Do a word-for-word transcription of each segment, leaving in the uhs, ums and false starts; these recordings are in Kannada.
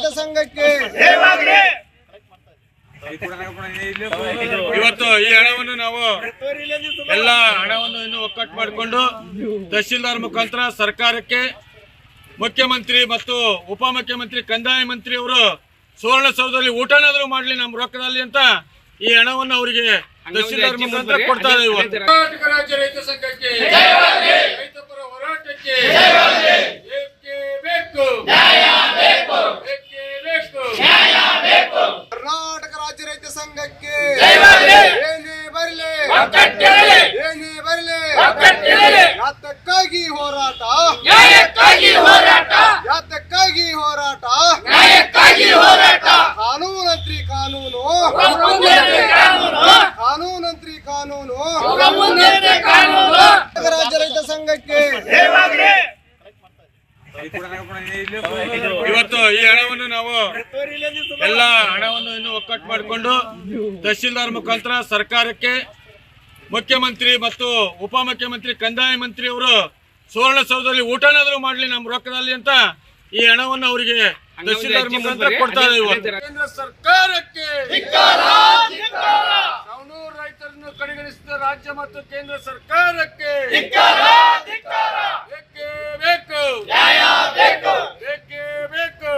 ಸಂಘಕ್ಕೆ ಇವತ್ತು ಈ ಹಣವನ್ನು ನಾವು ಎಲ್ಲ ಹಣವನ್ನು ಇನ್ನು ಒಕ್ಕಟ್ಟು ಮಾಡಿಕೊಂಡು ತಹಶೀಲ್ದಾರ್ ಮುಖಾಂತರ ಸರ್ಕಾರಕ್ಕೆ ಮುಖ್ಯಮಂತ್ರಿ ಮತ್ತು ಉಪಮುಖ್ಯಮಂತ್ರಿ ಕಂದಾಯ ಮಂತ್ರಿ ಅವರು ಸುವರ್ಣಸೌಧದಲ್ಲಿ ಊಟನಾದರೂ ಮಾಡಲಿ ನಮ್ಮ ರೊಕ್ಕದಲ್ಲಿ ಅಂತ ಈ ಹಣವನ್ನು ಅವರಿಗೆ ತಹಶೀಲ್ದಾರ್ ಮುಖಾಂತರ ಕೊಡ್ತಾ ಇದ್ದೀವಿ. ಕರ್ನಾಟಕ ರಾಜ್ಯ ರೈತ ಸಂಘಕ್ಕೆ ರೈತ ಪರ ಹೋರಾಟಕ್ಕೆ ಬೇಕು ಕರ್ನಾಟಕ ರಾಜ್ಯ ರೈತ ಸಂಘಕ್ಕೆ ಏನೇ ಬರಲಿ ಏನೇ ಬರಲಿ ಯಾತಕ್ಕಾಗಿ ಹೋರಾಟ ನ್ಯಾಯಕ್ಕಾಗಿ ಹೋರಾಟ ಯಾತಕ್ಕಾಗಿ ಹೋರಾಟ ನ್ಯಾಯಕ್ಕಾಗಿ ಹೋರಾಟ ಕಾನೂನಂತ್ರಿ ಕಾನೂನು ಕಾನೂನಂತ್ರಿ ಕಾನೂನು ಕಾನೂನು ರಾಜ್ಯ ರೈತ ಸಂಘಕ್ಕೆ ಇವತ್ತು ಈ ಹಣವನ್ನು ನಾವು ಎಲ್ಲ ಹಣವನ್ನು ಇನ್ನು ಒಕ್ಕಟ್ಟು ಮಾಡಿಕೊಂಡು ತಹಶೀಲ್ದಾರ್ ಮುಖಾಂತರ ಸರ್ಕಾರಕ್ಕೆ ಮುಖ್ಯಮಂತ್ರಿ ಮತ್ತು ಉಪಮುಖ್ಯಮಂತ್ರಿ ಕಂದಾಯ ಮಂತ್ರಿ ಅವರು ಸುವರ್ಣಸೌಧದಲ್ಲಿ ಊಟನಾದರೂ ಮಾಡಲಿ ನಮ್ಮ ರೊಕ್ಕದಲ್ಲಿ ಅಂತ ಈ ಹಣವನ್ನು ಅವರಿಗೆ ತಹಶೀಲ್ದಾರ್ ಮುಖಾಂತರ ಕೊಡ್ತಾ ಇದ್ದೀವಿ. ಕೇಂದ್ರ ಸರ್ಕಾರಕ್ಕೆ ಸವಣೂರು ರೈತರನ್ನು ಕಡೆಗಣಿಸಿದ ರಾಜ್ಯ ಮತ್ತು ಕೇಂದ್ರ ಸರ್ಕಾರಕ್ಕೆ ಬೇಕೇ ಬೇಕು ಬೇಕೇ ಬೇಕು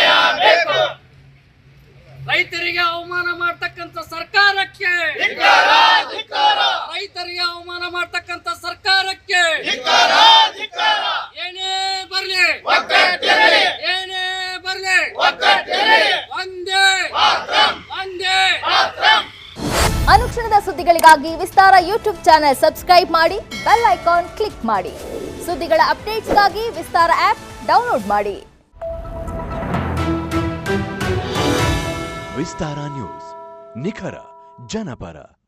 ರೈತರಿಗೆ ಅವಮಾನ ಮಾಡ್ತಕ್ಕಂಥ ಸರ್ಕಾರಕ್ಕೆ ರೈತರಿಗೆ ಅವಮಾನ ಮಾಡ್ತಕ್ಕಂಥ ಸರ್ಕಾರಕ್ಕೆ ಏನೇ ಬರ್ಲಿ ಏನೇ ಬರ್ಲಿ ಒಂದೇ ಒಂದೇ ಅನುಕ್ಷಣದ ಸುದ್ದಿಗಳಿಗಾಗಿ ವಿಸ್ತಾರ ಯೂಟ್ಯೂಬ್ ಚಾನೆಲ್ ಸಬ್ಸ್ಕ್ರೈಬ್ ಮಾಡಿ, ಬೆಲ್ ಐಕಾನ್ ಕ್ಲಿಕ್ ಮಾಡಿ. ಸುದ್ದಿಗಳ ಅಪ್ಡೇಟ್ಸ್ಗಾಗಿ ವಿಸ್ತಾರ ಆಪ್ ಡೌನ್ಲೋಡ್ ಮಾಡಿ. ವಿಸ್ತಾರ ನ್ಯೂಸ್, ನಿಖರ ಜನಪರ.